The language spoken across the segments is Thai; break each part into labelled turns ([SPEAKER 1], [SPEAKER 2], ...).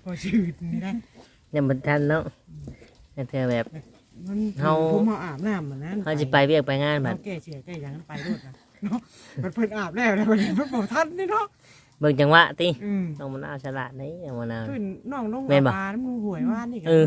[SPEAKER 1] อชื่นนี่นะ
[SPEAKER 2] ยังบ่ทันเนาะเธอแบบ
[SPEAKER 1] มันผมมาอาบน้ำเหมือนนั้น
[SPEAKER 2] เขาสิไปเวียกไปงานบัด
[SPEAKER 1] แก้เชื่อแก้ยังไปด้วยนะเนาะมันเพิ่นอาบแล้วนะมันเพิ่นบอกท่านนี่เนาะ
[SPEAKER 2] เบิ่งจังหวะติน้องมะนาวฉลาดนี่น้องมะนาว
[SPEAKER 1] เพิ่นน้องลง
[SPEAKER 2] แม่นบ่
[SPEAKER 1] ปลาน้ำมูหวยว่านี่กัน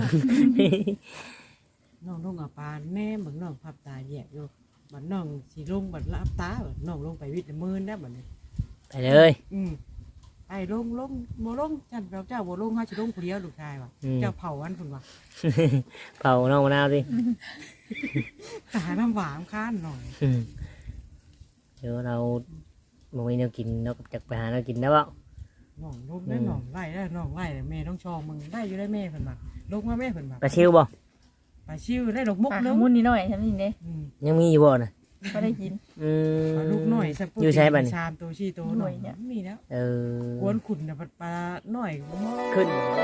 [SPEAKER 1] น้องลงปลาแน่เหมือนน้องพับตาแยกอยู่บัดน้องสิลงบัดรับตาบัดน้องลงไปวิทย์มือนะบัดนี้
[SPEAKER 2] ไปเลย
[SPEAKER 1] ไปลงบ่ลงจันเจ้าบ่ลงเฮาสิลงผู้เดียวลูกชายว่ะเจ้าเผาอันพุ่นว่ะ
[SPEAKER 2] เผาน้องมะนาวสิ
[SPEAKER 1] ตาน้ำหวานค้านหน่อย
[SPEAKER 2] เดี๋ยวเราบ่มีแนวกินเราก็จักไปหาแนวกินได้บ่
[SPEAKER 1] น้องลงได้น้องไล่ได้น้องไล่แม่ต้องชองมึงได้อยู่ได้แม่เพิ่นมาลงมาแม่เพิ่นมา
[SPEAKER 2] ปลาชิวบ่
[SPEAKER 1] ไปชิวได้ดอกมุก
[SPEAKER 3] ปลา
[SPEAKER 1] นึง
[SPEAKER 3] มุนนิดหน่อยใช่ไหมเนี่ย
[SPEAKER 2] ยังมีอยู่บ่น่ะ
[SPEAKER 3] ก็ได้กิน
[SPEAKER 1] ลูกหน่อยสัก
[SPEAKER 2] อยู่ใช้บัดนี้
[SPEAKER 1] ชามตัวชีโตหน่อยเนี่ยมีแล้ว กวนขุนน่ะปลาหน่อย
[SPEAKER 2] ขึ้น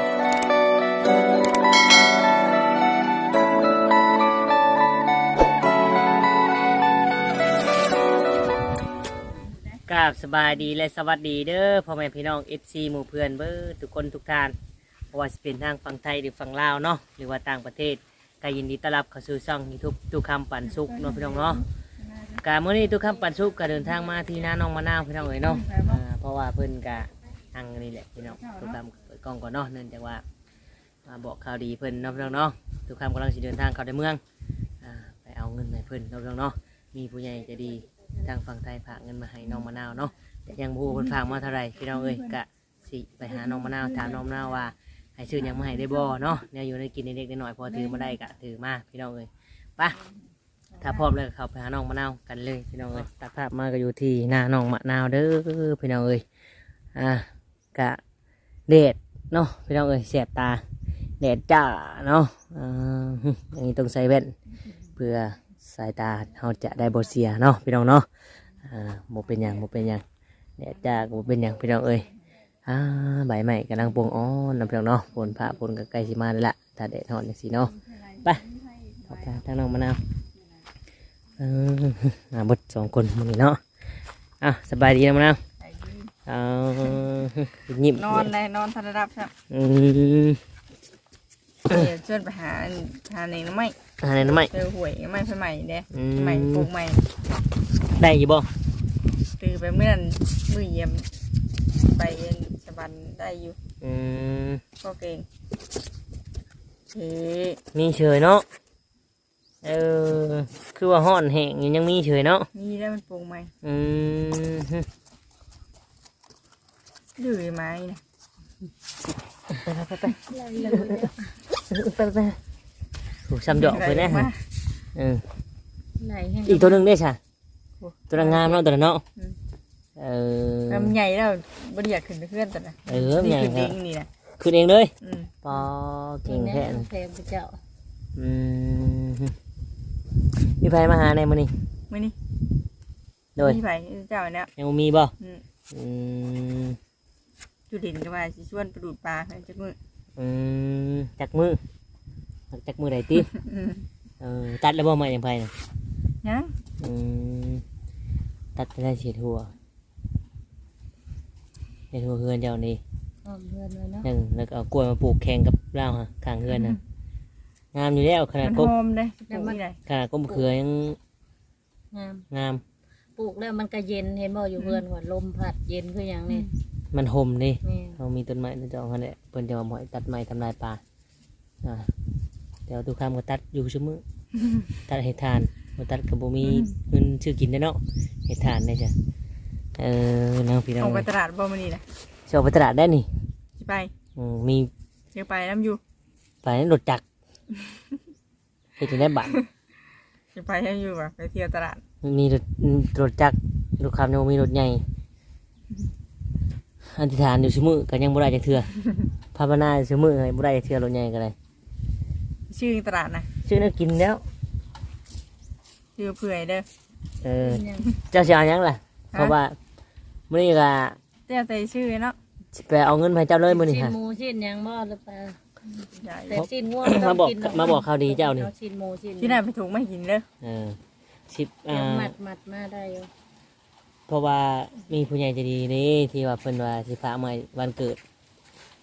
[SPEAKER 2] กราบสบายดีและสวัสดีเด้อพ่อแม่พี่น้อง FC หมู่เพื่อนเบิดทุกคนทุกท่านเพราะว่าสิเป็นทางฝั่งไทยหรือฝั่งลาวเนาะหรือว่าต่างประเทศก็ยินดีต้อนรับเข้าสู่ช่อง YouTube ทุกคำปันสุขเนาะพี่น้องเนาะกะมื้อนี้ทุกคำปันสุขก็เดินทางมาที่นาน้องมะนาวพี่น้องเอ๋ยเนาะเพราะว่าเพิ่นก็ทางนี่แหละพี่น้องทุกคำเปิดกล้องก่อนเนาะเนื่องจากว่ามาบอกข่าวดีเพิ่นเนาะพี่น้องเนาะทุกคำกำลังสิเดินทางเข้าในเมืองไปเอาเงินให้เพิ่นเนาะพี่น้องเนาะมีผู้ใหญ่ใจะดีทางฝั่งไทยฝากเงินมาให้น้องมะนาวเนาะแต่ยังบ่ฮู้เพิ่นฝากมาเท่าไหร่พี่น้องเอ้ยกะสิไปหาน้องมะนาวถามน้องมะนาวว่าให้ซื้อหยังมาให้ได้บ่เนาะเนี่ยอยู่ในกินเล็กๆน้อยๆพอถือมาได้กะถือมาพี่น้องเอ้ยไปถ้าพร้อมแล้วก็เข้าไปหาน้องมะนาวกันเลยพี่น้องเอ้ยตัดภาพมาก็อยู่ที่หน้าน้องมะนาวเด้อพี่น้องเอ้ยกะแดดเนาะพี่น้องเอ้ยแสบตาแดดจ้าเนาะอย่างนี้ต้องใส่แว่นเพื่อสายตาเราจะได้บ่เสียเนาะพี่น้องเนาะบ่เป็นหยังแดดจ้าก็บ่เป็นหยังพี่น้องเอ้ยใบไม้กำลังปวงอ้อนนะพี่น้องเนาะฝนพระฝนก็ใกล้สิมาแล้วล่ะถ้าแดดร้อนอย่างสีเนาะไปเข้าไปทางน้องมะนาวบดสองคนมึงนี่เนาะสบายดีนะมะนาวยิ้ม
[SPEAKER 3] นอนเลยนอนทันรับใช่เดี๋ยวชวนไปหาในน้ำไม้
[SPEAKER 2] อะไรนะไม่
[SPEAKER 3] เจอหวยไม้ใหม่เด้ใหม่ปลูกใหม่
[SPEAKER 2] ได้ยี่บ่
[SPEAKER 3] ตื่นไปเมื่อมือเยี่ยมไปสบันได้อยู่ก็เก่ง
[SPEAKER 2] มีเฉยเนาะคือว่าห่อนแห้งยังมีเฉยเนาะ
[SPEAKER 3] มีได้มันปลูกใหม่ดื้อไหมนะ
[SPEAKER 2] ไปถูกซ้ำดอกไปแน่ฮะอีกตัวหนึ่งได้ใช่ตัวงามเนาะตัวเนาะ
[SPEAKER 3] ลำใหญ่แล้วบริยาขึ้นเพื่อนแต่ละ
[SPEAKER 2] ใหญ่
[SPEAKER 3] ขึ้นเองนี่นะ
[SPEAKER 2] ขึ้นเองเลยปอเก่งแท้
[SPEAKER 3] เพลงเจ้า
[SPEAKER 2] มีไฟมาหาในมื้อนี้โดย
[SPEAKER 3] มีไฟเจ้าเนี่ย
[SPEAKER 2] ยังมีบ่
[SPEAKER 3] จุดินก็ว่าสิชวนไปดูดปลาจักมือ
[SPEAKER 2] จักมือไหนติตัดแล้วบ่มาอย่างไผน่ะ
[SPEAKER 3] ยัง
[SPEAKER 2] ตัดได้เสียทั่วเฮือนเจ้านี่
[SPEAKER 3] เฮือนเลยเนาะ
[SPEAKER 2] แล้วก็เอากล้วยมาปลูกแข่งกับเราฮะข้างเฮือนน่ะงามอยู่แล้วขนาด
[SPEAKER 3] กบเลย
[SPEAKER 2] ขนาดก้มเขือยังงาม
[SPEAKER 4] ปลูกแล้วมันก็เย็นเห็นบ่อยู่เพื่อนว่าลมพัดเย็นคืออย่างนี้
[SPEAKER 2] มันห่มนี่เรามีต้นไม้ต้นจองกันแหละเพิ่นจะมาหมอยตัดไม้ทำลายป่าเดี๋ยวทุกคำก็ตัดอยู่ชั่วมือตัดเห็ดทานมาตัดกับบุมีเงินชื่อกินได้เนาะเห็ดทานได้จ้ะน้องพี่น้อง
[SPEAKER 3] ออกไปตลาดบ่มานี่นะ
[SPEAKER 2] จะออกไปตลาดได้นี่
[SPEAKER 3] ไป
[SPEAKER 2] มี
[SPEAKER 3] เจอไปน้ำอยู่
[SPEAKER 2] ไปนั่นรถจักรไปถึงได้บัตร
[SPEAKER 3] จะไปน้ำอยู่แบบไปเที่ยวตลาด
[SPEAKER 2] มีรถจักรลูกค้ายังมีรถใหญ่อธิษฐานอยู่ชั่วมือกันยังบ่ได้จะเถื่อภาวนาชั่วมือไงบ่ได้จะเถื่อรถใหญ่กันเลย
[SPEAKER 3] ชื่อตลาดนะ
[SPEAKER 2] ชื่อน่ากินแล้ว
[SPEAKER 3] ชื่อเผื่อยเด้อ
[SPEAKER 2] เจ้าเสียยังล่ะเพราะว่ามื้อนี้ก็
[SPEAKER 3] เจ้าใจชื่อเนาะ
[SPEAKER 2] ไปเอาเงินให้เจ้าเลยมื้อนี้
[SPEAKER 4] ฮะหมูชิ้นยังบ่หรือเปล่าแต่ชิ้นง่วง
[SPEAKER 2] มาบอกข่าวดีเจ้านี่
[SPEAKER 4] ชิ้นหมูชิ้น
[SPEAKER 3] ที่ไหนไปถูกไม่กินเลย
[SPEAKER 4] มัดมาได้อยู่
[SPEAKER 2] เพราะว่ามีผู้ใหญ่ใจดีนี่ที่ว่าเพิ่นว่าสิพามาวันเกิด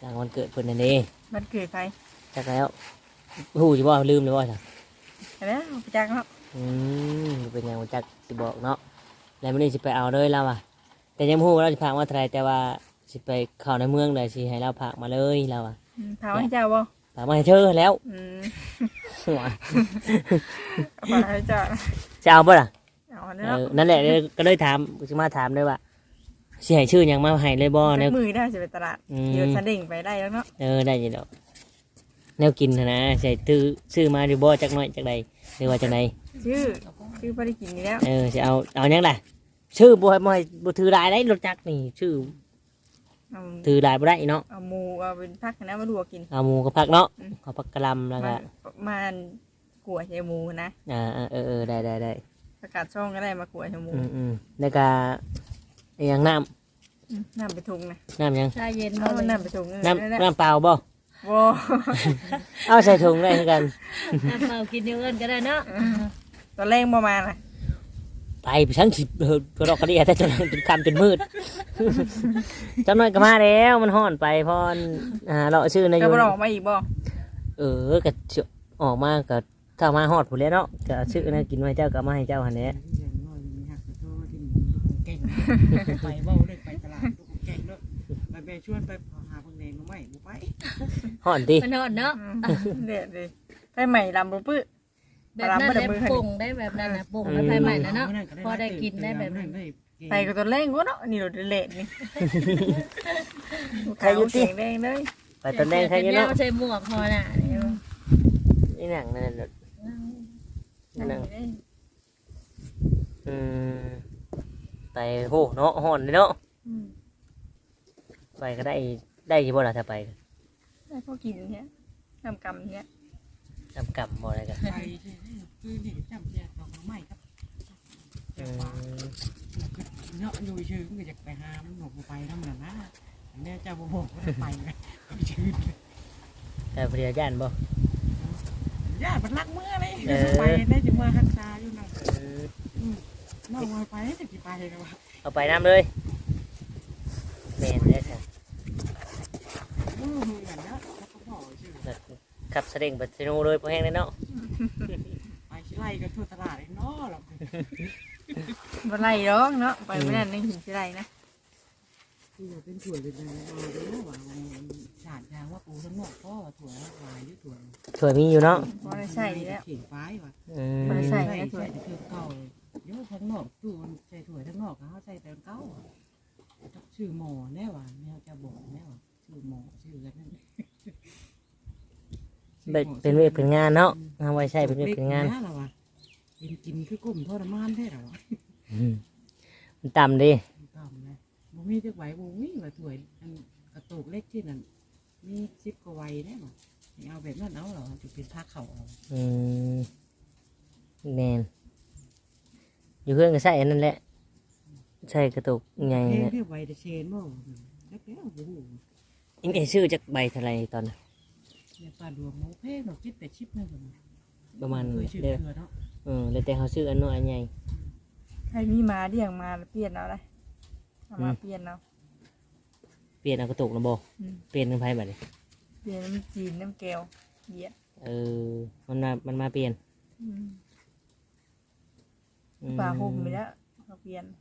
[SPEAKER 2] ต่างวันเกิดเพิ่นนั่นเอง
[SPEAKER 3] มันเกิดไป
[SPEAKER 2] จักแล้วฮู้สิบ่ลืมเลยว่าจ้ะ
[SPEAKER 3] แล้วไปจักเนาะ
[SPEAKER 2] เป็นหยังบ่จักสิบอกเนาะแล้วมื้อนี้สิไปเอาเลยแล้วอ่ะแต่ยังบ่ฮู้ว่าเราสิพากมาเท่าไหร่แต่ว่าสิไปเข้าในเมืองได้สิให้เราพากมาเลยแล้วอ่ะ
[SPEAKER 3] ถามให้เจ้าบ่
[SPEAKER 2] พากมาให้เธอแล้ว หัว
[SPEAKER 3] เอาไปให้เจ้า
[SPEAKER 2] จะเอาบ่ล่ะ
[SPEAKER 3] เอาเนาะ
[SPEAKER 2] นั่นแหละก็เลยถามสิมาถามเลยว่าสิให้ชื่อหยังมาให้เลยบ่
[SPEAKER 3] จั
[SPEAKER 2] แนว
[SPEAKER 3] กมือได้สิไปตลาดเดี๋ยวฉันเด้งไปได้แล้วเนาะ
[SPEAKER 2] ได้อยู่ดอกแนวกินนะใส่ซื้อมาดูบ่จักหน่อยจักใดหรือว่าจักใด
[SPEAKER 3] ชื่อบ่ได้กินนี่แล้ว
[SPEAKER 2] สิเอาหยังล่ะชื่อบ่ถือหลายได้รถจักรนี่ชื่อ
[SPEAKER 3] เอา
[SPEAKER 2] ถือหลายบ่ได้เนาะ
[SPEAKER 3] เอาหมูเอาเป็นพักนะมาดูกิน
[SPEAKER 2] เอาหมูกับผักเนาะเอาผักกะหล่ำแล้วก็
[SPEAKER 3] มันกลัวใช้หมูนะ
[SPEAKER 2] ได้
[SPEAKER 3] ประกาศช่องก็ได้มากลัวใช้หมู
[SPEAKER 2] แล้วก็อีหยังน้
[SPEAKER 3] น้ำไปทุงนะ
[SPEAKER 2] ำยัง
[SPEAKER 4] ชาเย็น
[SPEAKER 3] เอา
[SPEAKER 4] บ่เลย
[SPEAKER 3] น้ำไปทุง
[SPEAKER 2] น้ำเปล่าบ่
[SPEAKER 3] โว้
[SPEAKER 2] เอาใส่ถุงได้คือกัน
[SPEAKER 4] น้ำเปล่ากินอยู่เอิ้นก็ได้เนาะ
[SPEAKER 3] ตอนแรกประมาณน่ะ
[SPEAKER 2] ไปชั้นสิกระดอกกระเดียแต่จนคำจนมืดจำหน่อยก็มาแล้วมันห่อนไปพอนเราชื่อใน
[SPEAKER 3] ก็
[SPEAKER 2] ยู
[SPEAKER 3] บ่ออกมาอีกบ่
[SPEAKER 2] ก็ออกมาก็ถ้ามาฮอดผู้เลี้ยเนาะก็ชื่อนะกินไว้เจ้าก็มาให้เจ้าหันแหละ
[SPEAKER 1] อย่างน้อยมีหักกระโทษที่ลูกเก่งไปเว้าได้ไปตลาดลูกเก่งเนาะไปแม่ชวนไปหาเพิ่นเองบ่ไม่บ่ไป
[SPEAKER 2] ห่อนติ
[SPEAKER 4] มันนอนเนาะ
[SPEAKER 3] เด็ดดิไปใหม่ลำบ่ปื้อ
[SPEAKER 4] แบบนั้นได้ปรุงได้แบบนั้นนะปรุงแล้วไปใหม่แล้วเนาะพอได้กินได้แบบนั้น
[SPEAKER 3] ไปกับตอนแรกก็เนาะนี่รถเละนี่ใครอยู่ที่แดงเลย
[SPEAKER 2] ไปตอนแรกใครเนาะ
[SPEAKER 4] ใส่หมวกพอน่ะ
[SPEAKER 2] นี่หนังนั่นนั่นไปโหเนาะห่อนเลยเนาะไปก็ได้ยี่บ่ล่ะถ้าไป
[SPEAKER 3] ได้พอกินเนี้ยน้ำกำเนี้ย
[SPEAKER 2] ทำกรรมบ่อะไรกัน
[SPEAKER 1] ไปคือนี่จำแยกดอกไม้ครับเนาะอยู่ชื่อก็จะไปหามันบอกไปทำนั่นนะแม่เจ้าบ่บอกว่าไปไงชื่อ
[SPEAKER 2] แต่เพียย่านบ่
[SPEAKER 1] ญาติมันรักเมื่อเลยไปได้จึงมาหักษาอยู่นั่นนอกมาไปจะกี่ไปนะวะ
[SPEAKER 2] เอาไปน้ำเลยแม่นได้ค่ะ
[SPEAKER 1] เหมือนนะเขาบอกชื่อ
[SPEAKER 2] ขับเสด็งปัสโนเลยพอแห้งเลยเนาะ
[SPEAKER 1] ไปชิไลกันทั่วตลาดเลยเนาะหรอก
[SPEAKER 3] บ่ไรหรอกเนาะไปไม่ได้ในหินสิไรนะ
[SPEAKER 1] คือเป็นถั่วเป็นอะไรรู้ว่าฉาดยางว่าปูทั้งหมดพ่อถั่ววายด้วยถั่ว
[SPEAKER 2] สวยมีอยู่เนาะ
[SPEAKER 3] บ่ได้ใช่แล้ว
[SPEAKER 1] เขียนฟ้ายว่ะ
[SPEAKER 3] บ่ได้ใส่
[SPEAKER 1] ใส่คือเก่าเยอะทั้งนอกตู้ใส่ถั่วทั้งนอกเขาใส่แต่เก่าชื่อหมอแน่ว่ะแม่จะบอกแน่ว่ะชื่อหมอชื่อกันนั่น
[SPEAKER 2] เป็นเวทเป็นงานเนาะเอาไว้ใช้เป็นเวทเป็นงาน
[SPEAKER 1] กินคือกลุ่มทรมานแท้หรอ
[SPEAKER 2] มันต่ำดิ
[SPEAKER 1] ต่ำนะบ่มีจักไหวบ่มีว่าถั่วกระตุกเล็กที่นั่นมี10กว่าไว้แน่ว่ะเอาแบบนั้นเอาหรอจะเป็นผ้าเข่าเอา
[SPEAKER 2] แมนอยู่เพื่อนก็ใส่อันนั่นแหละใส่กระตุกใหญ่
[SPEAKER 1] เพลง
[SPEAKER 2] เนี่ย
[SPEAKER 1] เรียกไว้แต่เชนบ่จักแล้วโอ้โห
[SPEAKER 2] อิงไอชื่อจากใบเทลายตอนน่ะ
[SPEAKER 1] เนี่ยปลาดวงโมเพลงดอกจิตแต่ชิปนั่นผม
[SPEAKER 2] ประมาณ
[SPEAKER 1] เคยชื่อ
[SPEAKER 2] เด้อ
[SPEAKER 1] เนาะ
[SPEAKER 2] แล้วแต่เขาชื่ออันน้อยอันใหญ่
[SPEAKER 3] ใครมีมาเดี่ยงมาเปลี่ยนเอาเลยเอามาเปลี่ยนเอา
[SPEAKER 2] เปลี่ยนเอากระตุกนะโบเปลี่ยนเป็นไพ่แบบนี้
[SPEAKER 3] เปลี่ยนน้ำจีนน้ำแก้วเหยียด
[SPEAKER 2] มันมาเปลี่ยน
[SPEAKER 3] ปลาห่มไปแล้วเขาเปลี่ยน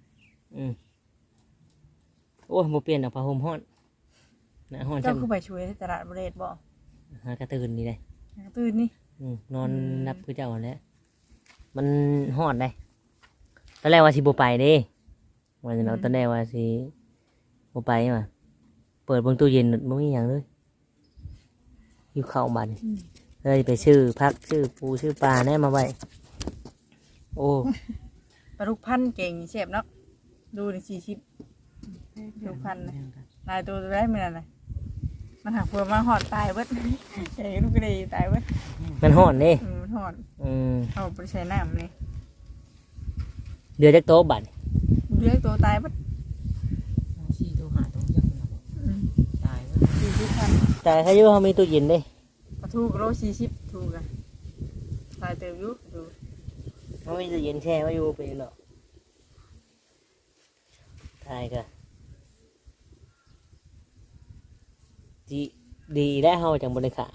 [SPEAKER 2] โอ้ยโมเปลี่ยนเอาผ้าห่มฮ้อนนะฮ้อน
[SPEAKER 3] เจ้า
[SPEAKER 2] จำ
[SPEAKER 3] คือไปช่วยตลาดบริเวณบ่
[SPEAKER 2] หากระตื่นนี่เลย
[SPEAKER 3] ตื่นนี่
[SPEAKER 2] นอนนับคือเจ้าหั่นแหล้วมันฮ้อนได้ตอนแรกว่าสิบไปเด้วันนี้เราตอนแรกว่าสิบไปมาเปิดเบนตู้เย็นไม่มีอย่างเลยอยู่เข้าบันเลยไปชื่อพักชื่อปูชื่อปลาแน่มาไว้โอ้
[SPEAKER 3] ปลาลูกพันเก่งเชฟเนาะดูใน40ลูกพันนะลายตัวได้ไม่นานเลยมันหักเพื่อมาหอดตายเบิดเอ้ลูกกระดีตายเบิด
[SPEAKER 2] มันฮ้อนเด้
[SPEAKER 3] มันหอด เอาไปใช้น้ำเลย
[SPEAKER 2] เดือดจากโต๊ะบัน
[SPEAKER 3] เลี้ยงตัวตายเบิด
[SPEAKER 1] ชีตัวหาตัวยังตายว่า
[SPEAKER 3] 40,000
[SPEAKER 2] แต่ถ้าอยู่เขามีตู้เย็นเด้
[SPEAKER 3] ปลาทูกโล40ถูกอะตายเติมอยู่ดู
[SPEAKER 2] เขามีตู้เย็นแช่ไว้อยู่เป็นหรอกทายกันจีดีได้เฮาจังบริขา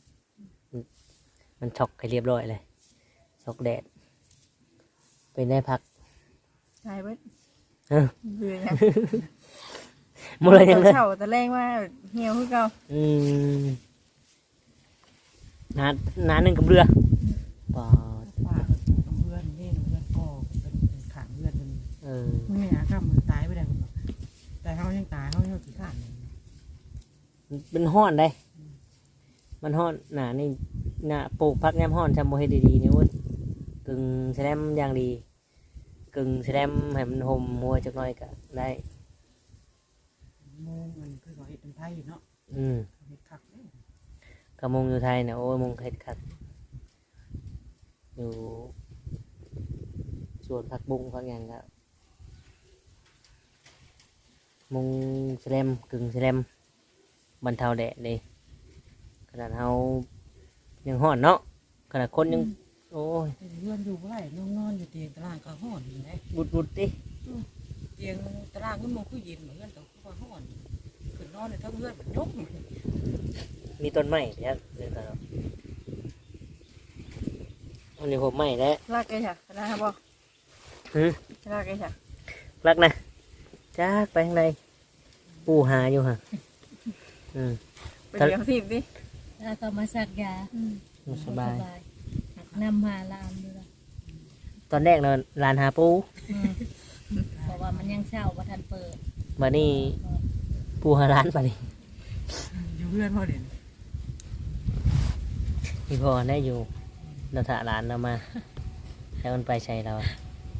[SPEAKER 2] มันช็อกให้เรียบร้อยเลยช็อกแดดเป็นได้พัก
[SPEAKER 3] ตายเบิด
[SPEAKER 2] เออ
[SPEAKER 3] เบื่อยัง
[SPEAKER 2] หมดเลยยังเลย
[SPEAKER 3] เช้าแต่แรงว่าเหี่ยวคือเก่า
[SPEAKER 2] น้าหนึ่งกับเรือปอด
[SPEAKER 1] ว่าน้ำเพื่อนนี่น้ำเพื่อนก็เป็นขางเพื่อนเป็น
[SPEAKER 2] เออ
[SPEAKER 1] ไม่หาข้ามมือตายไปได้ผมแต่เขายังตายเขายังขี้ข้าน
[SPEAKER 2] เป็นห้อนได้ มันห้อนหนานี่หนาปลูกพักแนมห้อนจำโมให้ดีๆนี่วุ้นกึ่งแสลมอย่างดีกึ่งแสลมให้มันห่มมัวจักหน่อยก็ได้
[SPEAKER 1] โมงมันคือเขาเห็ดเป็นไทยเนาะ
[SPEAKER 2] อืม
[SPEAKER 1] เห็ดคักเลย
[SPEAKER 2] กระมงอยู่ไทยเนี่ยโอ้ยมงเห็ดคักอยู่สวนผักบุ้งพักอย่างก็มงแสลมกึ่งแสลมบรรเทาแดดเลยขนาดเรายังห่อนเนาะขนาดคนยังโอ้ย
[SPEAKER 1] เพื่อนอยู่ไรนอนอยู่เตียงตารางก็ห่อนอยู่เลย
[SPEAKER 2] บุดดิ
[SPEAKER 1] เตียงตารางก็มองคือเย็นเหมือนกันแต่ก็ห่อนขึ้นนอนในทั้งเพื่อนยก
[SPEAKER 2] มีต้นไม้เดี๋ยวเดี๋ยวกันเนาะอันนี้ผมไม้แล้ว
[SPEAKER 3] ลากไอ้ฉะนะครับบ่
[SPEAKER 2] หือ
[SPEAKER 3] ลากไอ้ฉะ
[SPEAKER 2] รักนะจ้ากไปข้างในปูหาอยู่ฮะอืม
[SPEAKER 3] ไปเลี้ยงทีมดิ
[SPEAKER 4] แล้วก็มาสักยา
[SPEAKER 2] สบาย
[SPEAKER 4] นำมาลามดูละ
[SPEAKER 2] ตอนแรกเราลานหาปู
[SPEAKER 4] เพราะว่ามันยังเช่าบ่ทันเปิด
[SPEAKER 2] มานี่ปูหาร้านมานี่
[SPEAKER 1] อยู่เพื่อนพ่อเด่น
[SPEAKER 2] พี่พอได้อยู่เราถ่าร้านเรามาแล้วมันไปใช้เราอะ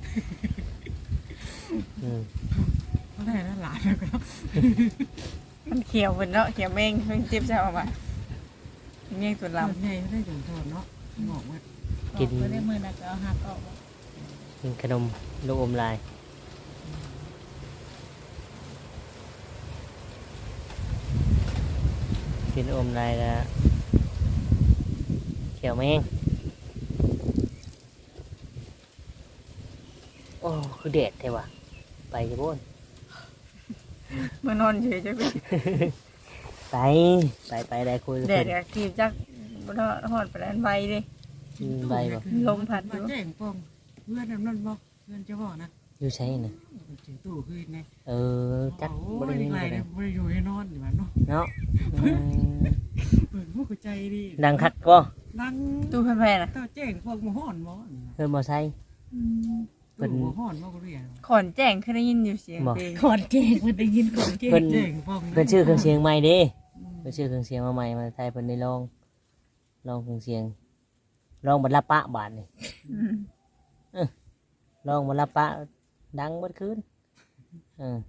[SPEAKER 2] อืม
[SPEAKER 1] เขาได้นะหลานแล้วก็
[SPEAKER 3] มันเขียวเหมือนเนาะเขียวแมงเพิ่งเจ็บเช้าออกมาเมี่ยงตัว
[SPEAKER 1] ลำ
[SPEAKER 3] ลำ
[SPEAKER 1] ใหญ่เขาได้จนทนเนาะหมอกว่า
[SPEAKER 4] กินก็ได้มือนะก็เอาหักออก
[SPEAKER 2] กินขนมลูกอมลายกินลูกอมลายแล้วเขียวแมงโอ้คือแดดแท้ว่ะไปจะบ่น
[SPEAKER 3] เมื่อนอนเฉยจะไป
[SPEAKER 2] ไปได้คุย
[SPEAKER 3] แดดอะกีบจักบ่ทอดหอดไปแล้วใบดิ
[SPEAKER 2] ใบบ่
[SPEAKER 3] ลมพัดอยู่
[SPEAKER 1] มาแจ้งปองเพื่อนนั่นบอกเพื่อนจะบอกนะ
[SPEAKER 2] อยู่ใช่น่ะ
[SPEAKER 1] ถึงตู้คือไง
[SPEAKER 2] เออจัก
[SPEAKER 1] โอ้
[SPEAKER 2] บ่ได้
[SPEAKER 1] ย
[SPEAKER 2] ยิน
[SPEAKER 1] ไร
[SPEAKER 2] บ่ได้
[SPEAKER 1] เนี่ยไม่อยู่ให้นอนอยู่มันเนาะ
[SPEAKER 2] เนาะอืม
[SPEAKER 1] เปิดหัวใจดี
[SPEAKER 2] ดังคักก็
[SPEAKER 1] ดัง
[SPEAKER 3] ตู้แพร่ๆน่ะ
[SPEAKER 1] เต้าแจ้งพวกมาห่อนบ่
[SPEAKER 2] เพิ่นบ่ใส่ เพิ่น
[SPEAKER 1] ตู้มาห่อนบ่ก็เรียน
[SPEAKER 3] ขอนแจ้งเคยได้ยินอยู่เสียง
[SPEAKER 2] บอก
[SPEAKER 3] เพลง
[SPEAKER 4] ขอนเก่งมันได้ยินขอนเก่ง
[SPEAKER 2] เพิ่น
[SPEAKER 1] แจ้งพวก
[SPEAKER 2] เพิ่นชื่อเครื่องเสียงใหม่เด้เพิ่นชื่อเครื่องเสียงมาใหม่มาไทยเพิ่นได้ลองเครื่องเสียงลองบรรลับปะบาดนี่
[SPEAKER 3] อืม
[SPEAKER 2] ลองบรรลับปะดังเบิดคืนเออ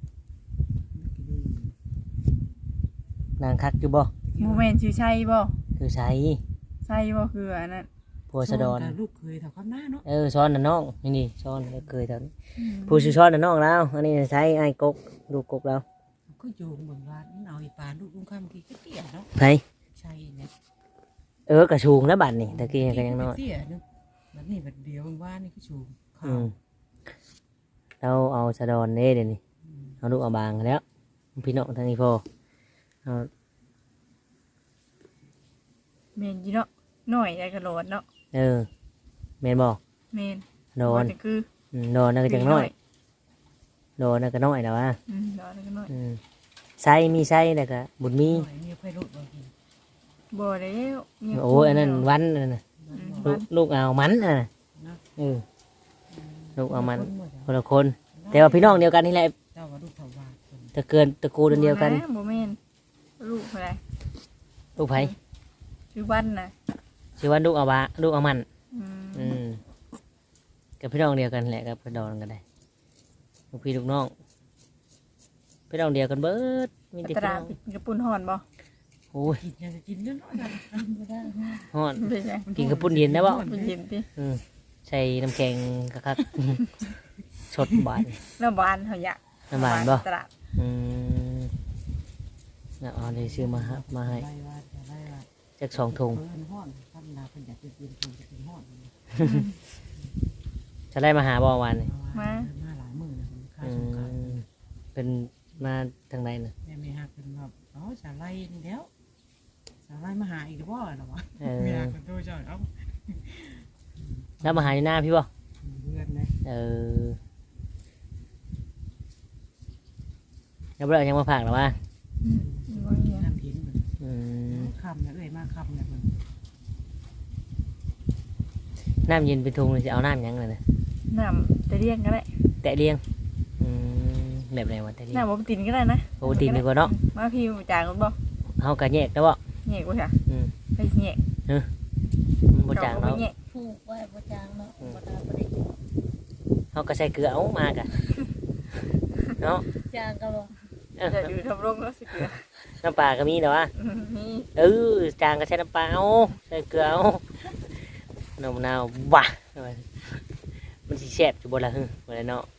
[SPEAKER 2] ดังคักอยู่บ่
[SPEAKER 3] โมเมนต์ชื่อชัยบ่
[SPEAKER 2] คือใส่
[SPEAKER 3] ชัยบ่คืออันนั้น
[SPEAKER 2] ผัวสะดอน
[SPEAKER 1] ลูกเคยถามข้ามหน้าเนาะ
[SPEAKER 2] ซ้อนน่ะน้องนี่ซ้อนแล้วเคยตอนผู้ชื่อซ้อนน่ะน้องแล้วอันนี้ใช้ไอ้กกลูกกกแล้ว
[SPEAKER 1] ก็โยงเบิ่งว่าเอาอีปานลูกลุงข้ามทีก็เตี้ยเนาะ
[SPEAKER 2] ไผ
[SPEAKER 1] ใช่เนี่ย
[SPEAKER 2] กระชูงแล้วบัดนี่ตะกี้ก็ยังน้อย
[SPEAKER 1] เตี้ยนึงแบบนี้แบบเดียวว่านี่ก็ชูข้า
[SPEAKER 2] อื
[SPEAKER 1] ว
[SPEAKER 2] มเราเอาสะดอนเด้เดี๋ยวนี้เอาลูกเอาบางแล้วพี่น้องทางนี้พอเอา
[SPEAKER 3] เมนจีเนาะหน่อยได้กระโดดเนาะ
[SPEAKER 2] แม่นบอก
[SPEAKER 3] เมน
[SPEAKER 2] โดน
[SPEAKER 3] นี่คือ
[SPEAKER 2] โดนนั่นก็จังน้อยโดนนั่นก็น้อยแล้วว่า
[SPEAKER 3] โดนก็น้อย
[SPEAKER 2] ไส้มีไส้แล้วก็บุญมี
[SPEAKER 1] มีไฟลุกบางที
[SPEAKER 3] บ่ได้แล้วมี
[SPEAKER 2] โอ้ยอันนั้นวันนั่นน่ะลูกเอามันน่ะลูกเอามันคนละคน แต่ว่าพี่น้องเดียวกันนี่แหละ
[SPEAKER 1] เจ้าว่าลูกเถาวา
[SPEAKER 2] ตะเกินตระกูลเดียวกัน
[SPEAKER 3] บ่แม่นลูกอะไร
[SPEAKER 2] ลูกไผ
[SPEAKER 3] ชื่อวันน่ะ
[SPEAKER 2] ชื่อว่าลูกเอาบาลูกเอามัน
[SPEAKER 3] อืม
[SPEAKER 2] กับพี่น้องเดียวกันแหละกับพี่น้องกันได้ลูกพี่ลูกน้องพี่น้องเดียวกันเบิดมีแต่
[SPEAKER 3] ต
[SPEAKER 2] พี่
[SPEAKER 3] รา
[SPEAKER 2] น้อง
[SPEAKER 3] กระปุ่นห่อนบ่
[SPEAKER 2] โอ้ย
[SPEAKER 1] กินยังจะกินเยอะน้อยกัน
[SPEAKER 2] ฮอน
[SPEAKER 3] เป็นไง
[SPEAKER 2] กินกระปุ่นเย็นได้บ่
[SPEAKER 3] เป็นเย็นติ
[SPEAKER 2] ใส่น้ำแข็งคักๆ สดบาน
[SPEAKER 3] แล้วบ้านเขาอยาก
[SPEAKER 2] น้ำบานบ่
[SPEAKER 3] ตราด
[SPEAKER 2] อืมเอาเลยซื้อมาครับมาให้
[SPEAKER 1] ได้ว่าได้ว่า
[SPEAKER 2] จาก2 ถุง
[SPEAKER 1] เพิ่นห่อนท่านนาเพิ่นอยากจะกินคงจะกินห่อน
[SPEAKER 2] จะได้มาหาบ่วันนี่
[SPEAKER 1] มาหลายมื้อนะค่า
[SPEAKER 2] อื
[SPEAKER 1] สงกรานต์
[SPEAKER 2] มเป็นมาทางไหนน่ะ
[SPEAKER 1] แม่ไม่ฮักเป็นแบบอ๋อสาไลนี่แล้วสาไลมาหาอีกหรือว่าหรอวะ
[SPEAKER 2] เออ
[SPEAKER 1] เวลาคนโตจอยเอ้า
[SPEAKER 2] แล้วมาหาในหน้าพี่บ่
[SPEAKER 1] เพื่อนนะ
[SPEAKER 2] เออแล้วเรายังมาฝากหรอวะ
[SPEAKER 3] บ่มี
[SPEAKER 1] น้ำทิ้งมัน
[SPEAKER 2] อืม
[SPEAKER 1] คำนะมาคำนะมัน
[SPEAKER 2] น้ำเย็นเป็นทุงเลยจะเอาน้ำยังเลยนะ
[SPEAKER 3] น้ำแต่เรียงก็ได้
[SPEAKER 2] แตะเลี้ยงแบบไหนวะแตะเลี้ยง
[SPEAKER 3] น้ำบ่ตินก็ได้นะ
[SPEAKER 2] โอ้ตีนดีกว่าเนาะ
[SPEAKER 3] มาพี่จางกันบ่
[SPEAKER 2] เฮากะแยกแล้วบ่
[SPEAKER 3] แยกบ่ค่ะ
[SPEAKER 2] อืม
[SPEAKER 3] ไปแยก
[SPEAKER 2] มันบ่จาง
[SPEAKER 3] เนาะ
[SPEAKER 2] เนาะ
[SPEAKER 3] แยก
[SPEAKER 4] ผูกไว้บ่จางเนาะบ่ได้บ่ได้
[SPEAKER 2] เฮากะใส่เกลือเอามากะเนาะ
[SPEAKER 4] จางก็บ่
[SPEAKER 2] เออ
[SPEAKER 3] จะดูทำรงแล้วสิเกลือ
[SPEAKER 2] น้ำปลาก็มีแต่ว่า
[SPEAKER 3] มี
[SPEAKER 2] จางก็ใช้น้ำปลาเอาใส่เกลือเอาน้ำมะนาวบ้ามันสิแซ่บอยู่บ่ล่ะบ่ได้เนาะ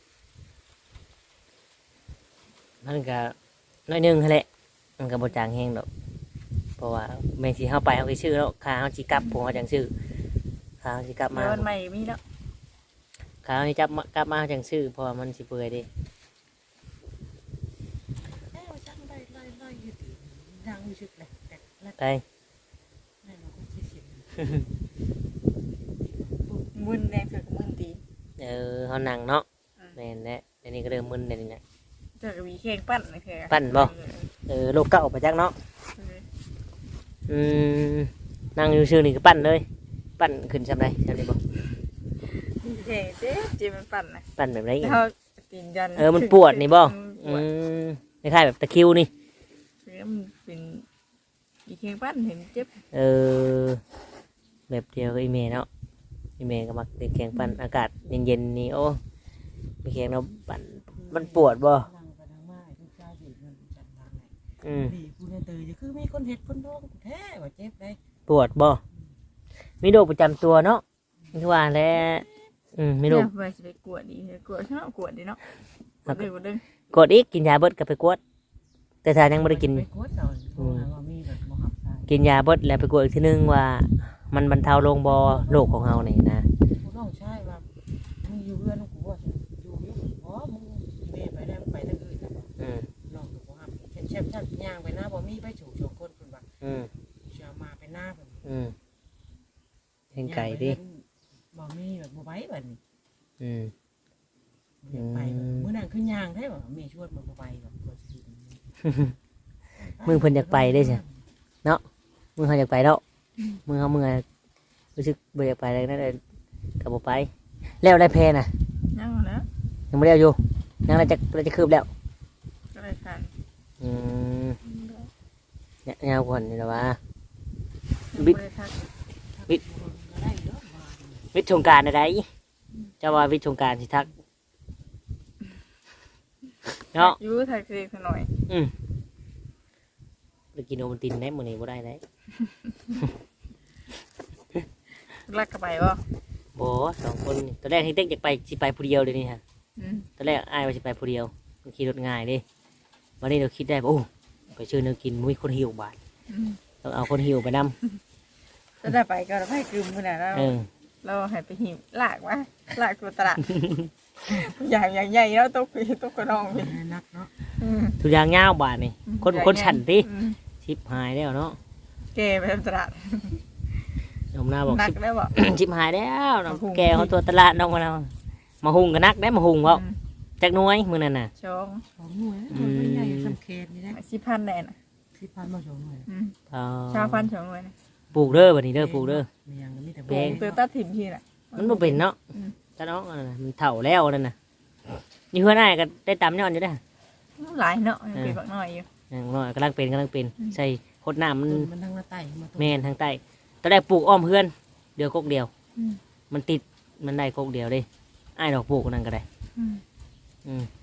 [SPEAKER 2] มันก็น้อยหนึงหั่นแหละมันก็บ่จางแห้งดอกเพราะว่าแม่นสิเฮาไปเฮาสิซื้อแล้วค่าเฮาสิกลับผมเฮาจังซื้อค่าเฮาสิกลับมา
[SPEAKER 3] เดี๋ยววันใหม่มีแล้ว
[SPEAKER 2] ค่าเฮาสิกลับมาเฮาจังซื้อเพราะว่ามันสิเปื่อยเด้
[SPEAKER 1] เอ้าจังได้ไล่อยู่ตีดังอยู่ชึกเลยแต่ละ
[SPEAKER 2] ไป
[SPEAKER 1] แน่นอนก็สิเสีย
[SPEAKER 3] มึนแดงเสือกมึนตี
[SPEAKER 2] เฮานั่งเนาะแม่นแหละอันนี้ก็เริ่มมึนแล้วนี่นะ
[SPEAKER 3] เจอกับมีแข่งปั้นเลยเถอะ
[SPEAKER 2] ปั้นบ่ โลกเก่าไปจักเนาะ อืมนั่งอยู่ซื่อนี่ก็ปั้นเลย ปั้นขึ้นซำใดซำนี้บ่
[SPEAKER 3] มีแข่งเจ๊มันปั้นนะ
[SPEAKER 2] ปั้นแบบไหนอีก
[SPEAKER 3] เขาตีนยัน
[SPEAKER 2] มันปวดนี่บ่
[SPEAKER 3] ป
[SPEAKER 2] อื
[SPEAKER 3] วด
[SPEAKER 2] มคล้ายๆแบบตะคริวนี่
[SPEAKER 3] แล้วมันเป็นมีแข่งปั้นเห็นเจ็บ
[SPEAKER 2] เออ แบบเดียวกับอีเมเนาะอีเมก็มักเล่นแข่งปั้นอากาศเย็นๆนี่โอ้มีแข่งเนาะปั้นมันปวดบ่
[SPEAKER 1] ดังไปดังมาทุกเจ้าดีมันจัดดังไง
[SPEAKER 2] อืม
[SPEAKER 1] ดีกูเนี่ยตื่นจะคือมีคนเห็ดคนโดนกูแท้ว่าเจ็บได้
[SPEAKER 2] ปวดบ่มีโรคประจำตัวเนาะคือว่าแล้วมีโรค
[SPEAKER 3] เนี่ยไปสิไปกวดดีกวดเนาะกวดดีเนาะกวดดึง
[SPEAKER 2] กดอีกกินยาเบิดก็ไปกวด แต่ถ้ายังบ่ได้กิน
[SPEAKER 1] ไปกดตอนกูหาว่ามีแบบบ่ฮับใส่
[SPEAKER 2] กินยาเบิดแล้วไปกวดอีกทีนึงว่ามันบรรเทาลงบ่โรคของเฮานี่นะ
[SPEAKER 1] กูต้องใช่ว่ามึงอยู่เรือนกูว่าอยู่อ๋อมึงเมย์ไปได้ไปทางอื่นนะ
[SPEAKER 2] อืม
[SPEAKER 1] ลองดูบ่ฮับเช่นท่านย่างไปหน้าบ่มีไปฉูชงคนเพิ่นว่า
[SPEAKER 2] อืม
[SPEAKER 1] เชื่อมาไปหน้าเพิ่น
[SPEAKER 2] อืมเห็นไก่ดิ
[SPEAKER 1] บ่มีแบบบ่ไหวบัดนี้
[SPEAKER 2] อืม
[SPEAKER 1] ไปมื้อนั้นคือย่างได้บ่มีชวนมาบ่ไปบ่บ่สิ
[SPEAKER 2] มึงเพิ่นอยากไปได้ใช่มึงเขาอยากไปแล้วมึงรู้สึกบ่อยากไปเลยนั่นเลยก็บ่ไป แล้วได้แพน่ะ
[SPEAKER 3] ยังนะ
[SPEAKER 2] ยังบ่ได้เอาอยู่ยังเราจะคืบแล้ว
[SPEAKER 3] ก็เลยค่ะ
[SPEAKER 2] อืมเนี่ยยาวกว่านี่ล่ะวะ
[SPEAKER 3] บิดทัก
[SPEAKER 2] วิทย์สงกรานต์อะไรเจ้าว่าวิทย์สงกรานต์สิทักเนาะ
[SPEAKER 3] ยูทักเรียกหน่อย
[SPEAKER 2] ไปกินโอวัลตินได้มื้อนี้บ่ได้ได้
[SPEAKER 3] ลักกระไปบ่
[SPEAKER 2] บ่สองคนนี่ตอนแรกที่เต็กอยากไปสิไปผู้เดียวเลยนี่ฮะ
[SPEAKER 3] อืม
[SPEAKER 2] ตอนแรกอ้ายว่าสิไปผู้เดียวมันขี่รถง่ายเดิวันนี้เราคิดได้ป่ะโอ้ไปชื่อเนื้อกินมุ้ยคนหิวบาท
[SPEAKER 3] อืม
[SPEAKER 2] ต้องเอาคนหิวไปน
[SPEAKER 3] จะได้ไปก็เราไปกึมขนาดเรา
[SPEAKER 2] ำ
[SPEAKER 3] เราให้ไปหิวลากวะลากตัวตลาดอย่างใหญ่แล้วตกไปตกกระดองไป
[SPEAKER 1] นักเนาะ
[SPEAKER 2] ทุกอย่างเงาวบาทนี่คนฉันติ
[SPEAKER 3] อืม
[SPEAKER 2] ชิบหายแล้วเนาะ
[SPEAKER 3] เกไปตลาด
[SPEAKER 2] น้องหน้าบอก
[SPEAKER 3] หนัก
[SPEAKER 2] ชิบ
[SPEAKER 3] ได้บ่
[SPEAKER 2] ชิบหายแล้วน้อง
[SPEAKER 3] มาหุง
[SPEAKER 2] แกเขาตัวตลาดน้องมาแล้วมาหุงกันนักได้มาหุงเปล่าจักหน้อยมือนั่นน่ะ
[SPEAKER 3] ชอง
[SPEAKER 1] ของหน่วยมันใหญ่สำเค็นี่นะ
[SPEAKER 3] 10,000แน่น่ะ
[SPEAKER 1] 10,000บ่ชงหน่วย
[SPEAKER 3] อืม
[SPEAKER 2] อ๋อ
[SPEAKER 3] ชาวพันชองเลยนะ
[SPEAKER 2] ปลูกเด้อบัดนี้เด้อปลูกเด้อ
[SPEAKER 1] มีอย่างมีแต่
[SPEAKER 2] แพง
[SPEAKER 3] ตัวตัดถิ่มทีน่ะ
[SPEAKER 2] มันบ่เป็นเนาะ
[SPEAKER 3] อืม
[SPEAKER 2] ตาน้องอันนั้นน่ะมันเฒ่าแล้วนั่นน่ะนี่เพื่อนอ้ายก็ได้ตำย้อนอยู่เด้อ
[SPEAKER 3] หลายเนาะยังเป็นบักน้อยอยู่
[SPEAKER 2] อย่างน้อยกำลังเป็นใส่โคตรน้ำมัน
[SPEAKER 1] มันทางหน้าใต้มา
[SPEAKER 2] แม่นทางใต้ตอนแรกปลูกอ้อมเพื่อนเดียวกกเดียว
[SPEAKER 3] อืม
[SPEAKER 2] มันติดมันได้กกเดียวเด้อ้ายดอกปลูกนั่นก็ได้
[SPEAKER 3] อืม
[SPEAKER 2] อืม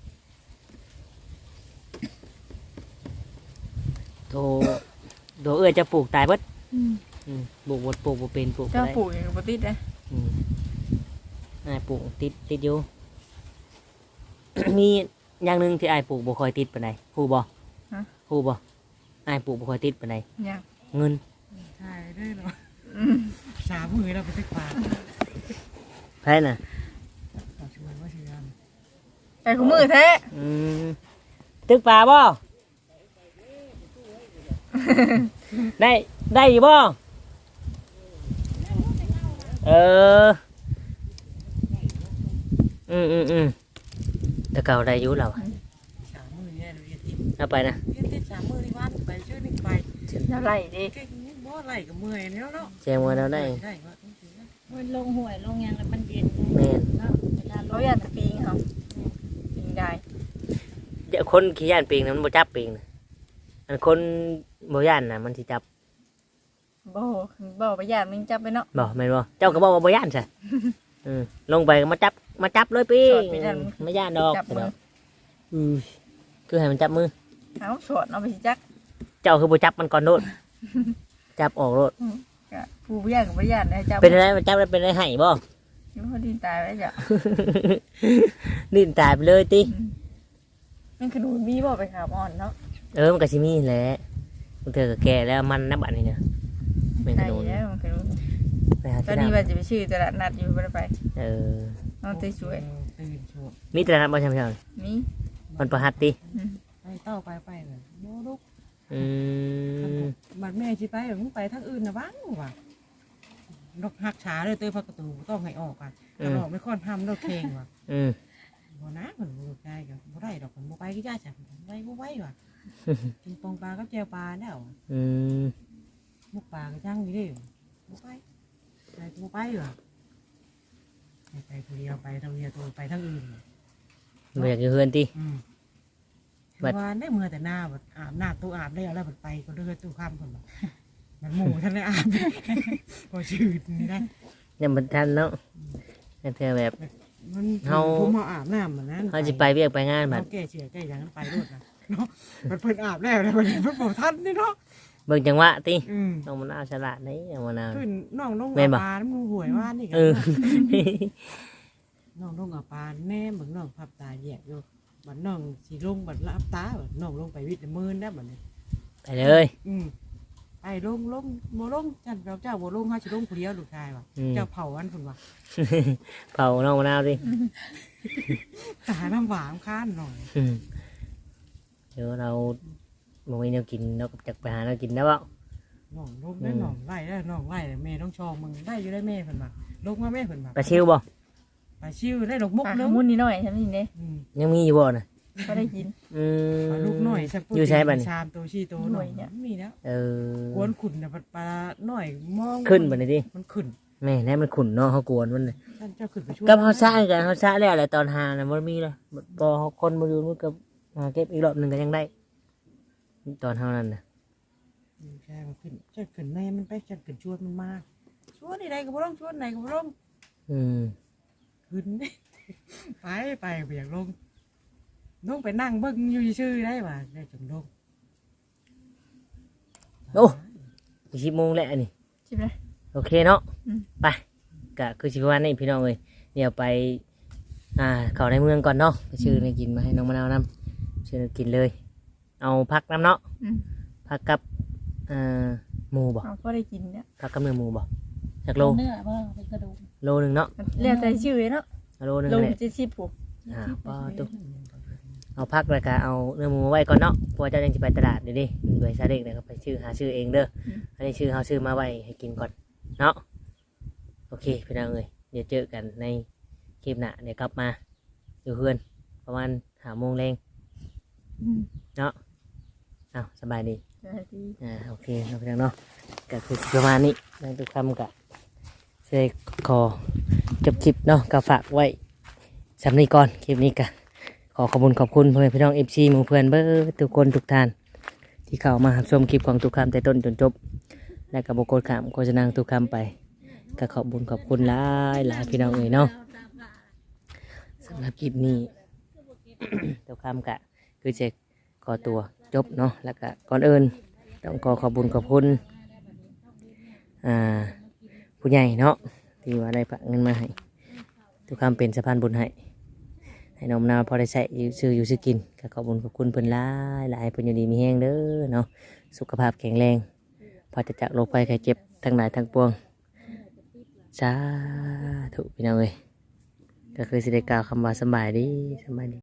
[SPEAKER 2] โตเอื้อจะปลูกตายเบิด
[SPEAKER 3] อืม
[SPEAKER 2] ปลูกบดปลูกบ่เป็นปลูกบ่
[SPEAKER 3] เจ้า
[SPEAKER 2] ได้
[SPEAKER 3] ปลูกอย่างกับติดนะ
[SPEAKER 2] อืมอ้ายปลูกติดอยู่ มีอย่างหนึงที่อ้ายปลูกบ่ค่อยติดปานใดฮู้บ่ฮู้บ่อ้ายปลูกบ่ค่อยติดปานใด
[SPEAKER 3] ยัง
[SPEAKER 2] เงิน
[SPEAKER 1] ใช่ได้เนาะ
[SPEAKER 3] อืม
[SPEAKER 1] 3 มื้อแล้วไปตึกปลา
[SPEAKER 2] ไผน่ะ
[SPEAKER 1] ชวนว่าสิยาม
[SPEAKER 3] ไอ้ขมือแท้
[SPEAKER 2] อืมตึกปลาบ่ได้อยู่บ่เออแต่เก่าได้อยู่แล้วอะ
[SPEAKER 1] สามมือเนี่ยเรียนติด
[SPEAKER 2] เอาไปนะ
[SPEAKER 1] เรียนติดสามมือที่วันไปช่วยนึงไป
[SPEAKER 3] แล้วไหลดิ
[SPEAKER 1] เก่งบ่ไหลกับเมื่อยแล้วเนาะ
[SPEAKER 2] แจ้งว่าเราได้
[SPEAKER 1] ได้ว่า
[SPEAKER 4] มันลงห่วยลงหยังแล้วมันเย็น
[SPEAKER 2] แม่น
[SPEAKER 4] เนาะเวลาล
[SPEAKER 3] เขา
[SPEAKER 4] ง
[SPEAKER 3] อยากจะปีงเขาปีงได้
[SPEAKER 2] เดี๋ยวคนขี้ย่านปิงนะมันบ่จับปิงนะอันคนบ่ย่านน่ะมันสิจับ
[SPEAKER 3] บ่ไปญาติมึงจับไปเนาะ
[SPEAKER 2] บ่แม่นบ่เจ้าก็บอกว่าบ่ย่านซะลงไปก็มาจับเลยปิงไม่ย่านดอก
[SPEAKER 3] จับมือ
[SPEAKER 2] คือให้มันจับมือ
[SPEAKER 3] เอาสวดเอาไปสิจัก
[SPEAKER 2] เจ้าคือบ่จับมันก่อนโดดจับออกโดด
[SPEAKER 3] กะผู้บ่ญาติกับบ่ญาติได้จับ
[SPEAKER 2] เป็นอะไรมันจับแล้วเป็นอะไรให้บ่
[SPEAKER 3] อยู่พอดีตายไว้จ้ะ
[SPEAKER 2] ดิ้นตายไปเลยติ
[SPEAKER 3] มันขนุนมีบ่ไปขาบอ่อนเนาะ
[SPEAKER 2] มันก็สิมีแหละมันเธอก็แก่แล้วมันนะบัดนี้นะแม่นข
[SPEAKER 3] ได้
[SPEAKER 2] นุน
[SPEAKER 3] แล้วมันขนุน
[SPEAKER 2] ไปหา
[SPEAKER 3] ตอน
[SPEAKER 2] ที่
[SPEAKER 3] นี้
[SPEAKER 2] น้
[SPEAKER 3] ว่าจะไปชื่อตลาดนัดอยู่บ่ได้ไป
[SPEAKER 2] ำ
[SPEAKER 3] น้องตีสวย
[SPEAKER 1] ตื่นช่วง
[SPEAKER 2] มีแต่ละบ่ใช่ไหมครับ
[SPEAKER 3] มี
[SPEAKER 2] มันประหัตติ
[SPEAKER 1] ไปเต้าไปเลยโน้ลูก
[SPEAKER 2] อืม
[SPEAKER 1] บัดแม่สิไปมึงไปทางอื่นนะบ้างว่ะดอกหักช้าเลยเตยพักประตูต้องให้ออกอ่ะกระดอกไม่ค่อนทำดอกเพลงว่ะ
[SPEAKER 2] อืม
[SPEAKER 1] บ่นะเหมือนบ่ได้กับบ่ได้ดอกมันบ่ไปก็ย่าจ้ะได้บ่ไหวว่ะกินปองปลากับแจวปลาแล้ว
[SPEAKER 2] อืม
[SPEAKER 1] มุกปลาก็จังอยู่ดิบ่ไปไปบ่ไปว่ะไปคนเดียวไปทางเดียวตัวไปทางอื่น
[SPEAKER 2] บ่อยากอยู่เฮือนติ
[SPEAKER 1] ว่าได้เมื่อแต่หน้าแบบอาบน้ำตู้อาบได้แล้วมันไปก็เลือตู้ข้ามคนแบบมันหมูท่านได้อาบพอชืดนี่ได้
[SPEAKER 2] ยังบ่ทันเนาะแต่เธอแบบ
[SPEAKER 1] มันผมมาอาบน้ำเหมือนนั้น
[SPEAKER 2] เขาสิไปเวียกไปงานบัด
[SPEAKER 1] เขาแก่เฉื่อยแก่อย่างนั้นไปรวดนะเนาะมันเพิ่นอาบแล้วนะมันเพิ่นบอกท่านนี่เนาะ
[SPEAKER 2] เบิ่งจังหวะติ
[SPEAKER 1] อืม
[SPEAKER 2] น้องมะนาวฉลาดนี่น้องมะนาว
[SPEAKER 1] ขึ้นน้องลง
[SPEAKER 2] แม่นบ่
[SPEAKER 1] ปลาน้ำมูหวยว่านี่กั
[SPEAKER 2] เออ
[SPEAKER 1] น้องลงกับปลาแน่เหมือนน้องพับตาแยกอยู่บัดน้องสีลงบัดลับตาบัดน้องลงไปวิทย์มือได้บัดนี้
[SPEAKER 2] ไปเลย
[SPEAKER 1] ไปลงบ่ลงจันเจ้าบ่ลงเฮาสิลงผู้เดียวลูกชายว่ะเจ้าเผาอันพุ่นว่ะ
[SPEAKER 2] เผาน้องมะนาวดิ
[SPEAKER 1] หาน้ำหวานข้านหน่อย
[SPEAKER 2] เดี๋ยวเราบ่มีแนวกินเราก็จักไปหาแนวกินได้บ่
[SPEAKER 1] น้องลงได้น้องไล่ได้น้องไล่แม่ต้องชองมึงได้อยู่ได้แม่เพิ่นมาลงมาแม่เพิ่นมา
[SPEAKER 2] ปลาชิวบ่
[SPEAKER 1] ไปชิวได้ดอกมุก
[SPEAKER 3] ปาก
[SPEAKER 1] นึง
[SPEAKER 3] มุ่นนิดหน่อยใช่ไหมนี่เด้
[SPEAKER 2] ยังมีอยู่บ่น่ะ
[SPEAKER 3] ก็ได้กิน
[SPEAKER 2] ม
[SPEAKER 1] ลูกหน่อยสัก
[SPEAKER 2] อยู่ใช้บัดนี้
[SPEAKER 1] ชามตัวชี้ตัวหน่อยเนี่ยมีแล้ว กวนขุนน่ะปลาหน่อยมอง
[SPEAKER 2] ขึ้นบัดนี้ดิ
[SPEAKER 1] มันขึ้น
[SPEAKER 2] แม่ให้มันขุ่นเนาะเฮากวนมันน่ะ
[SPEAKER 1] ท่านเจ้าขึ้นไปช่วย
[SPEAKER 2] กับเฮาซ่ากันเฮาซ่าแล้วแหละตอนหาน่ะบ่มีเลยบ่เฮาคนบ่อยู่มันก็หาเก็บอีกรอบหนึงก็ยังได้ตอนเฮานั้นน่ะ
[SPEAKER 1] ใช่มันขึ้นจะขึ้นแม่มันไปจะขึ้นชวนมันมาชวนใดก็บ่ต้องชวนไหนก็บ่ต้อง
[SPEAKER 2] อืม
[SPEAKER 1] ขึ้น ไปไปเบียงลงไปนั่งเบิ่งอยู่ชื่อได้ป่ะได้จงลง
[SPEAKER 2] อีก10โมงแล้วอันนี้
[SPEAKER 3] ชิบเลย
[SPEAKER 2] โอเคเนาะ
[SPEAKER 3] อืม
[SPEAKER 2] ไปก็คือสิประมาณนี้พี่น้องเอ้ยเดี๋ยวไปเข้าในเมืองก่อนเนาะไปซื้อในกินมาให้น้องมะนาวนํซื้อในกินเลย เอาพักน้ำเนาะ ผักกับหมูบ่
[SPEAKER 3] เอาก็ได้กินเนี่ย
[SPEAKER 2] ผักกับเนื้อหมูบ่จากโล
[SPEAKER 4] เนื้อบ่เป็นกระดูก
[SPEAKER 2] โลหนึ่งเนาะ
[SPEAKER 3] เรียกแต่ชื่อเนาะ
[SPEAKER 2] โลหนึ่ง
[SPEAKER 3] ลง
[SPEAKER 2] แหละ
[SPEAKER 3] 70ผู้
[SPEAKER 2] ป้าตุ๊เอาพักแล้วก็เอาเนื้อหมูไว้ก่อนเนาะเพราะว่าเจ้ายังจะไปตลาดเดี๋ยวดิด้วยซาเด็กเนี่ยก็ไปซื้อหาซื้อเองเด้ออันนี้ซื้อเขาซื้อมาไว้ให้กินก่อนเนาะโอเคพี่น้องเอ้ยเดี๋ยวเจอกันในคลิปหน้าเดี๋ยวกลับมาอยู่เพื่อนประมาณ5 โมงแรงเนาะเอาสบายดี
[SPEAKER 3] สวัสดี
[SPEAKER 2] โอเคเราไปเนาะก็คือประมาณนี้ในทุกคำกับเสกขอจบคลิปเนาะก็ฝากไว้สำนีก่อนคลิปนี้ก็ขอขอบคุณพ่อแม่พี่น้องFCหมู่เพื่อนเบอร์ทุกคนทุกท่านที่เข้ามารับชมคลิปของทุกคำแต่ต้นจนจบและกับบกดขามโฆษณาทุกคำไปก็ขอบคุณหลายพี่น้องเอ๋ยเนาะสำหรับคลิปนี้ ทุกคำก็คือจะขอตัวจบเนาะแล้วก็ก่อนอื่นต้องขอบคุณผู้ใหญ่เนาะที่ว่าได้ฝากเงินมาให้ทุกคำเป็นสะพานบุญให้น้องมะนาวพอได้ใช้อยู่ซื้อกินก็ขอบคุณเพิ่นหลายเพิ่นอยู่ดีมีแห้งเด้อเนาะสุขภาพแข็งแรงพอจะจากโรคภัยไข้เจ็บทั้งหลายทั้งปวงสาธุพี่น้องเอ้ยก็คือสิได้กล่าวคำว่าสบายดี